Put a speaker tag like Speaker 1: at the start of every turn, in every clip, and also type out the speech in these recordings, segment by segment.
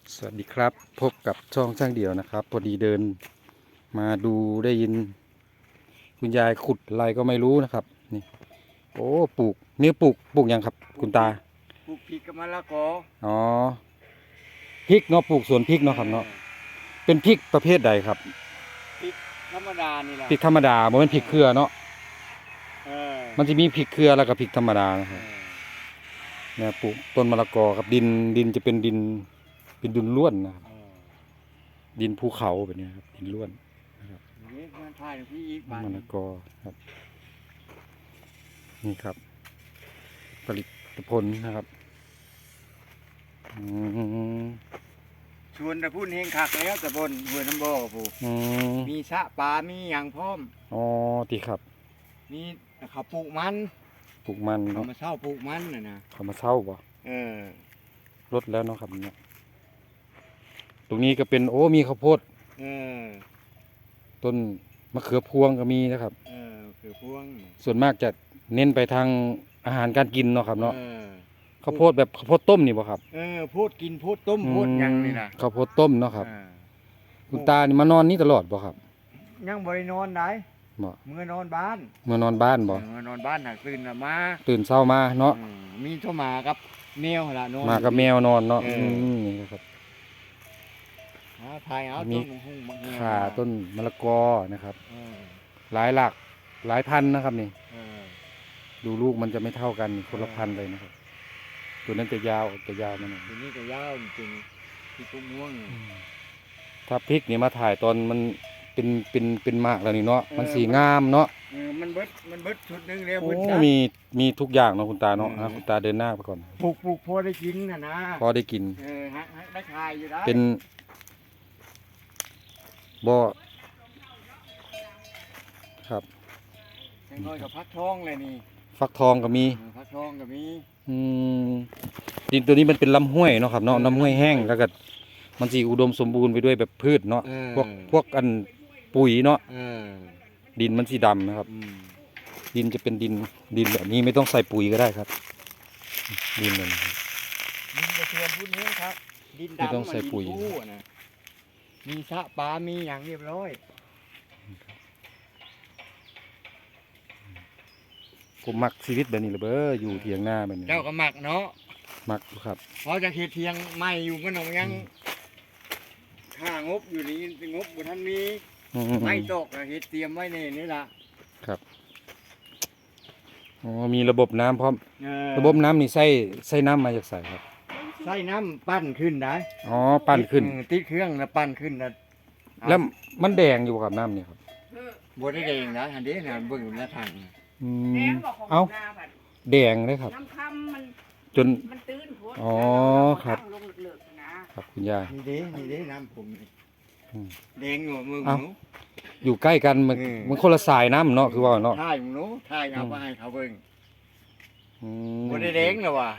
Speaker 1: สวัสดีครับพบกับช่องช่างเดี่ยวนะครับพอดีเดินมาดูได้ยินคุณยายขุดอะไรก็ไม่รู้นะครับนี่โอ้ปลูกนี่ปลูกยังครับคุณตา
Speaker 2: ปลูกพริกกับมะละกอ
Speaker 1: อ๋อพริกเนาะปลูกสวนพริกเนาะครับเนาะเป็นพริกประเภทใดครับ
Speaker 2: พริกธรรมดานี่แหละ
Speaker 1: พริกธรรมดาบ่เป็นพริกเครือเนาะมันจะมีพริกเครือแล้วก็พริกธรรมดานะครับเนี่ยปลูกต้นมะละกอครับดินจะเป็นดินล้วนนะครับดินภูเขาแบบนี้ครับดินล้วนนะครับ
Speaker 2: นี่มันถ่ายที่อีกบ้าน
Speaker 1: มะละกอครับนี่ครับผลิตผลนะครับ
Speaker 2: ชวนตะพุ่นเฮงคักแล้วตะบนห้วยน้ำบ่อผู้มีชะปลามีอย่างพร้อม
Speaker 1: อ๋อตีครับ
Speaker 2: มีเขาปลูกมันเขามาเช่าปลูกมันนะ
Speaker 1: เขามาเช่าบ่รถแล้วเนาะครับเนี่ยตรงนี้ก็เป็นมีข้าวโพดต้นมะเขือพวงก็มีนะครับ
Speaker 2: คือพวง
Speaker 1: ส่วนมากจะเน้นไปทางอาหารการกินเนาะครับเนาะข้าวโพดแบบข้าวโพดต้มนี่บ่ครับ
Speaker 2: โพดกินโพดต้มโพดยังนี่นะ
Speaker 1: ข้าวโพดต้มเนาะครับคุณตานี่มานอนนี่ตลอดบ่ครับ
Speaker 2: ยังบ่ได้นอนได้เมื่อนอนบ้าน
Speaker 1: เมื่อนอนบ้านบ่
Speaker 2: เมื่อนอนบ้านหากตื่นมา
Speaker 1: เช้ามาเนาะ
Speaker 2: มีโทรมากับแมวล่ะนอน
Speaker 1: มากับแมวนอนเนาะนี่ครับมีข่าต้นมะละกอนะครับหลายหลักหลายพันนะครับนี่ดูลูกมันจะไม่เท่ากันคนละพันเลยนะครับตัวนั้นจะยาวมัน
Speaker 2: ตัวนี้จะยาวจริงที่กุ้งม่วง
Speaker 1: ถ้าพริกนี่มาถ่ายตอนมันเป็นมากแล้วนี่เนาะมันสีงามเนาะ
Speaker 2: มันเบิดชุดนึงแล้ว
Speaker 1: มีทุกอย่างเนาะคุณตาเนาะคุณตาเดินหน้าไปก่อน
Speaker 2: ปลูกพอได้กินนะ
Speaker 1: พอได้กิน
Speaker 2: ได้ขายอยู่ได้
Speaker 1: เป็นบ่ครับ
Speaker 2: น้อยกับฟักทองเลยนี่
Speaker 1: ฟักทองก็มี
Speaker 2: ฟักทองก็มี
Speaker 1: ดินตัวนี้มันเป็นลำห้วยเนาะครับเนาะลำห้วยแห้งแล้วก็มันสีอุดมสมบูรณ์ไปด้วยแบบพืชเนาะพวกอันปุ๋ยเนาะดินมันสีดำนะครับดินจะเป็นดินแบบนี้ไม่ต้องใส่ปุ๋ยก็ได้ครับดินเลย
Speaker 2: ดินจะชวนพูดนี้ครับดินดำ
Speaker 1: ไม่ต้องใส่ปุ๋ย
Speaker 2: มีชะปลามีอย่างเรียบร้อย
Speaker 1: ผมมักชีวิตแบบนี้เลยอยู่เทียงหน้าแบบนี้
Speaker 2: เจ้าก็มักเนาะ
Speaker 1: มักครับ
Speaker 2: เพราะจะเทียงไม่อยู่มันยังค่างบอยู่นี่งบบุท่านมีไม่ตกเฮ็ดเตรียมไว้นี่ล่ะ
Speaker 1: ครับมีระบบน้ำพร้อมระบบน้ำนี่ใส่น้ำมาจากใส่ครับ
Speaker 2: ใส่น้ำปั้นขึ้นได้
Speaker 1: ปั้นขึ้น
Speaker 2: ติดเครื่องแล้วปั้นขึ้น
Speaker 1: แล้วมันแดงอยู่กับน้ำนี่ครับ
Speaker 2: บดได้แดงนะอันนี้นะเบิ่งอยู่หน้าทาง
Speaker 1: แดงเลยครับ
Speaker 3: น้ำค่ำมัน
Speaker 1: จน
Speaker 3: มันตื้น
Speaker 1: โอ้ครับครับคุณยาย
Speaker 2: นี่เด้น้ำผมแดงอยู่มือหนู
Speaker 1: อยู่ใกล้กันมันคนละสายน้ำเนาะคือว่าเนาะ
Speaker 2: ถ่ายหนูถ่ายเอาไปให้เขาเบิ่งบดได้แดงหรอวะ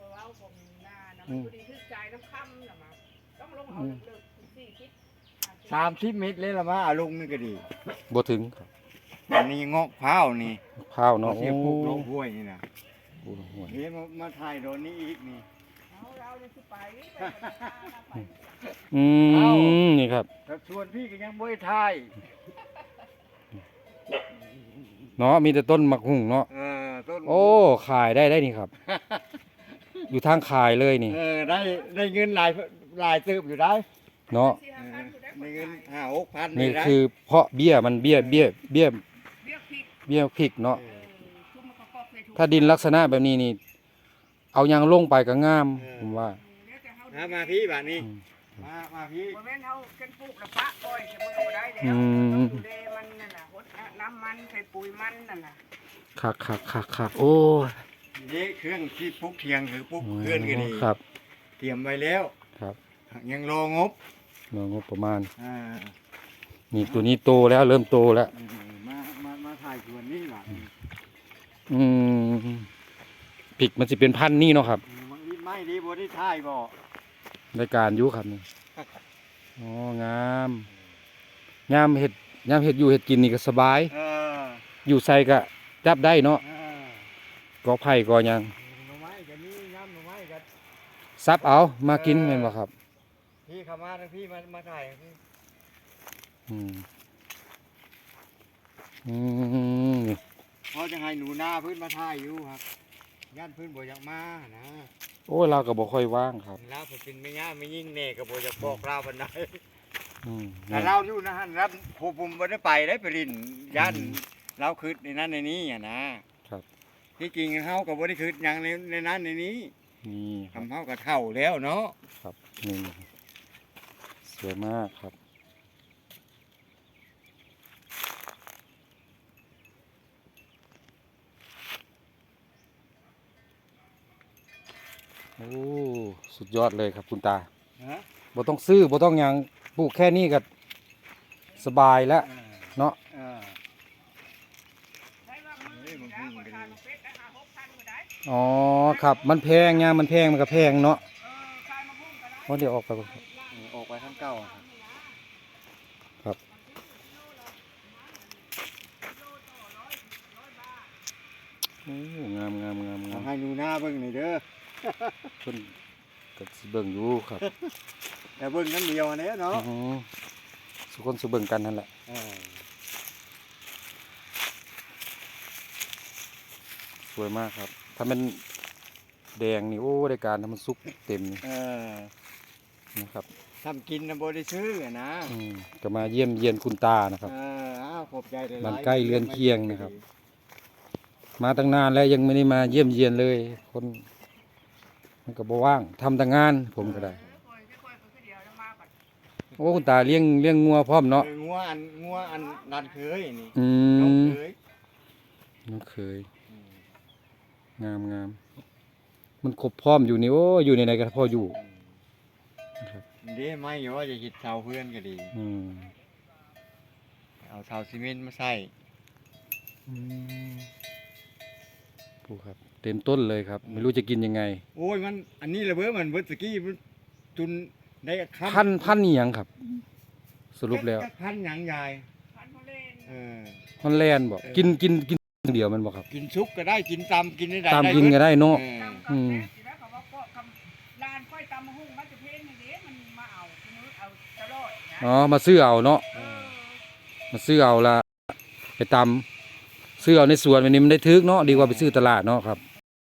Speaker 2: 30 เมตรเลยละมาลงนี่ก็ดี
Speaker 1: บ่ถึง
Speaker 2: อันนี้งอกพร้าวนี่
Speaker 1: พร้าวเนาะ
Speaker 2: เสียปลูกลงห้วยนี่นะนี่มาถ่ายโดนนี้อีกนี่
Speaker 1: นี่ครับ
Speaker 2: ชวนพี่ก็ยังบ่ได้ถ่าย
Speaker 1: เนาะมีแต่ต้นมะฮุ่งเนาะโอ้ขายได้นี่ครับอยู่ทางขายเลยนี่
Speaker 2: ได้เงินหลายตึบอยู่ได้
Speaker 1: เนาะ
Speaker 2: ได้เงิน5-6,000
Speaker 1: นี่คือเพาะเบี้ยมันเบี้ยพริกเนาะถ้าดินลักษณะแบบนี้นี่เอายางลงไปก็งามผมว่า
Speaker 2: มาพี่บ้านนี้มาพี่
Speaker 3: บ่แม่นเฮาเกันปลูกแล้วปะอ้อยมันก็บ่ได้แล้วดูแลมันนั่นน่ะหดน้ำมันใส่ปุ๋ยมันนั่นน่ะ
Speaker 1: คักโอ้
Speaker 2: นี่เครื่องที่ปลูกเทียงคือปลูกเพื่อนกันนี่
Speaker 1: ครับ
Speaker 2: เตรียมไว้แล้ว
Speaker 1: ครับ
Speaker 2: ยังรองบ
Speaker 1: ประมาณนี่ตัวนี้โตแล้วเริ่มโตแล้ว
Speaker 2: มาถ่ายส่วนนี้ล่ะ
Speaker 1: พริกมันจะเป็นพันนี่เนาะครับ
Speaker 2: ไม่ดีบ่ได้ถ่ายบ่
Speaker 1: รายการยุครับนี่งามเห็ดอยู่เห็ดกินนี่ก็สบายอยู่ใส่ก็จับได้เนาะก็ไผ่ก็ยังซับเอามากินเห็นบ่ครับ
Speaker 2: พี่เข้ามาทั้งพี่มาถ่ายพี่
Speaker 1: อืมอืม
Speaker 2: เขาจะให้หนูหน้าพื้นมาถ่ายอยู่ครับย่านพื้นบ่อยากมานะ
Speaker 1: โอ้ยเราก็บ่ค่อยว่างครับ
Speaker 2: แล้วผมเป็นไม่ย่าไม่ยิ่งเน่ก็บ่อยากบอกเราปานใด
Speaker 1: อืม
Speaker 2: แต่เราอยู่นะฮะรับผมบ่ได้ไปได้ไปลินย่านเราคืดในนั้นในนี้อ่ะนะครับ ที่จริงเฮาก็บ่ได้คืดหยังในนั้นในนี้
Speaker 1: นี่ครับ
Speaker 2: ทำเฮาก็เท่าแล้วเนาะ
Speaker 1: ครับนี่สวยมากครับโอ้สุดยอดเลยครับคุณตา
Speaker 2: ฮะ
Speaker 1: บ่ต้องซื้อบ่ต้องหยังปลูกแค่นี้ก็สบายแล้ว เนาะ
Speaker 3: ใช้ว่ามือนี่นะคนทานเป็ดนะคะ6,000ก็ได้
Speaker 1: อ๋อครับมันแพงไงมันแพงมันก็แพงเนาะ
Speaker 3: ขายมะม่วงก็ได้
Speaker 1: ว่าเดี๋ยวออกไปก่อนครับ
Speaker 2: ออกไปทางเก่าครับ
Speaker 1: โอ้งามงามงามงาม
Speaker 2: ให้หนูหน้าเบิ่งหน่อยเด้อ
Speaker 1: เพิ่นก็สิเบิ่งอยู่ครับ
Speaker 2: แต่เบิ่งนั้นเดียวอันนี้เนาะ
Speaker 1: อือสุคนสิเบิ่งกันนั่นแหละสวยมากครับ ถ้ามันแดงนี่โอ้ได้การถ้ามันสุกเต็มนี่นะครับ
Speaker 2: ทำกินนะบ่ได้ซื้ออะนะ
Speaker 1: ก็มาเยี่ยมเยียนคุณตานะครับ
Speaker 2: อ้าวขอบใจหลายๆ
Speaker 1: มันใกล้เรือนเคียงนะครับ มาตั้งนานแล้วยังไม่ได้มาเยี่ยมเยียนเลย คนมันก็บ่ว่างทำแต่งานผมก็ได้
Speaker 3: ค่อยๆคือเดียวจะมาก่อน
Speaker 1: โอ้คุณตาเลี้ยงงัวพร้อมเนาะ
Speaker 2: งัวอันนันเคยนี่
Speaker 1: อื
Speaker 2: น้อง
Speaker 1: ม
Speaker 2: เคย
Speaker 1: น้องเคยงามงามมันครบพร้อมอยู่นี่โอ้อยู่ในไหนก็พออยู่ นะครับ
Speaker 2: เด้ไม่ว่าจะหิดเสาเพื่อนก็ดี
Speaker 1: อืม
Speaker 2: เอาเสาซีเมนต์มาใส่
Speaker 1: ปูครับ เต็มต้นเลยครับ ไม่รู้จะกินยังไง
Speaker 2: โอ้ยมันอันนี้ระเบ้อมันเบิดตะกี้มันจุนได้คำ
Speaker 1: พันนี่ยังครับ สรุปแล้ว
Speaker 2: พันหยังยาย
Speaker 3: พันธุ์เล่น
Speaker 2: เออ
Speaker 1: ฮอนแลนด์บอกกินเดียวมันบอกครับ
Speaker 2: กินซุปก็ได้กินตำกินได้
Speaker 1: ตามกินก็ได้เนาะ
Speaker 2: เออ
Speaker 3: ตำกับแม่สิแล้วเขาว่าก็คำลานค่อยตำมะฮุ่งมันจะเพ่นอย่างนี้มันมาเอาคือมือเอาตลอดนะ
Speaker 1: อ๋อมาซื้อเอาเนาะ
Speaker 2: เออ
Speaker 1: มาซื้อเอาละไปตำซื้อเอาในสวนวันนี้มันได้ทึกเนาะดีกว่าไปซื้อตลาดเนาะครับ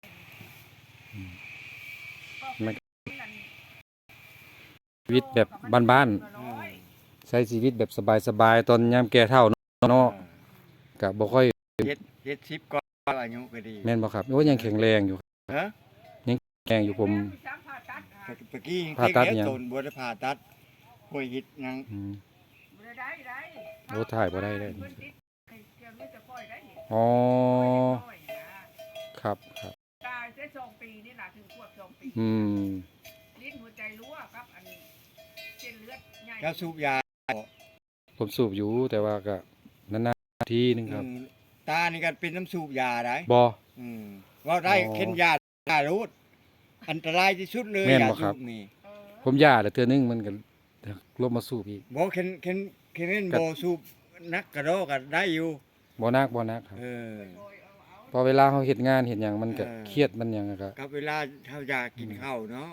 Speaker 1: ชีวิตแบบบ้านๆใช้ชีวิตแบบสบายๆตอนยามแก่เฒ่าเนาะก็บ่ค่อย
Speaker 2: เฮ็ดชิปก็อายุก็ดี
Speaker 1: แม่นบ่ครับโอ้ยังแข็งแรงอยู่
Speaker 2: ฮะ
Speaker 1: แข็งอยู่ผม
Speaker 2: ตะกี้
Speaker 1: ผ่าตัด
Speaker 2: เด็ก
Speaker 1: ยัง
Speaker 2: ๆตนบ่ได้ผ่าตัดป่วยหิดหยัง
Speaker 1: อืม
Speaker 3: ได้
Speaker 1: โอ้ถ่ายบ่ได้เลย
Speaker 3: เพิ่นติดไอ้เกี่ยวนี่จะค่อยได้นี่
Speaker 1: อ๋อ
Speaker 3: ค่อยนะครับ ตายได้2 ปีนี่ล่ะถึงควบ2 ปี
Speaker 1: อืม
Speaker 3: ลิ้นหัวใจรั่วครับอันเส้นเลือดใหญ่
Speaker 2: แล้วสูบยา
Speaker 1: ผมสูบอยู่แต่ว่าก็นานๆทีนึงครับ
Speaker 2: ตานี่ก็เป็นน้ำสูบยาได้
Speaker 1: บ่
Speaker 2: ว่าได้
Speaker 1: อ๋อ
Speaker 2: เข็นยารูดอันตรายที่สุดเลย
Speaker 1: แม่น
Speaker 2: ยา
Speaker 1: บ่ครั
Speaker 2: สู
Speaker 1: บ
Speaker 2: บนี่
Speaker 1: ผมย่าแต่เทื่อนึงมันก็ลบมาสูบอีก
Speaker 2: บ่เข็นเล่น
Speaker 1: ก็
Speaker 2: บ่สูบนักกระโดดก็ได้อยู่
Speaker 1: บ่นักครับ
Speaker 2: เออ
Speaker 1: พอเวลาเขาเฮ็ดงานเฮ็ดหยังมันก็
Speaker 2: เออ
Speaker 1: เครียดมันหยังอะก็
Speaker 2: กับเวลาเท่าอยากกินข้าวเนาะ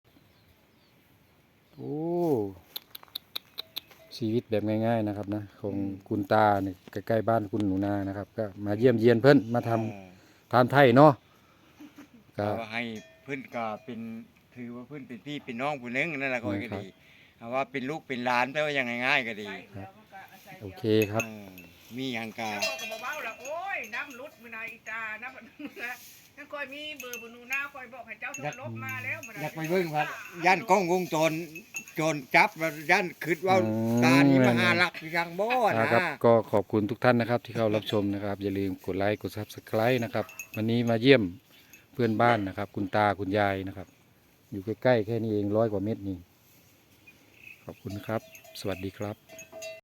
Speaker 1: โอ้ชีวิตแบบง่ายๆนะครับนะของคุณตาเนี่ยใกล้ๆบ้านคุณหนูนานะครับ ก็มาเยี่ยมเยียนเพิ่นมาทำทานไทยเนาะก็
Speaker 2: ก็ให้เพิ่นก็เป็นถือว่าเพิ่นเป็นพี่เป็นน้องผู้หนึงนั่นแหละก็
Speaker 1: ครับ
Speaker 2: ดีเอาว่าเป็นลูกเป็นหลานแต่ว่ายังง่ายๆก็ดี
Speaker 1: โอเคครับ
Speaker 2: มีหยังกา
Speaker 3: แล้วก็บอกว่าละโอ้ยน้ำลุดมือนาอีตาน้ำนะนั่นคอยมีเบอร์บนูนาคอยบอกให้เจ้าโทรลบมาแล้ว
Speaker 2: อยากไปเบิ่งว่าย่านกล้องวงจรโจรจับแล้วย่านคิดว่าตานี่มาหาลักยังบ่นะ
Speaker 1: ครับก็ขอบคุณทุกท่านนะครับที่เข้ารับชมนะครับ อย่าลืมกดไลค์กด Subscribe นะครับ วันนี้มาเยี่ยมเพื่อนบ้านนะครับ คุณตาคุณยายนะครับ อยู่ใกล้ๆแค่นี้เอง100 กว่าเมตรนี่ขอบคุณครับ สวัสดีครับ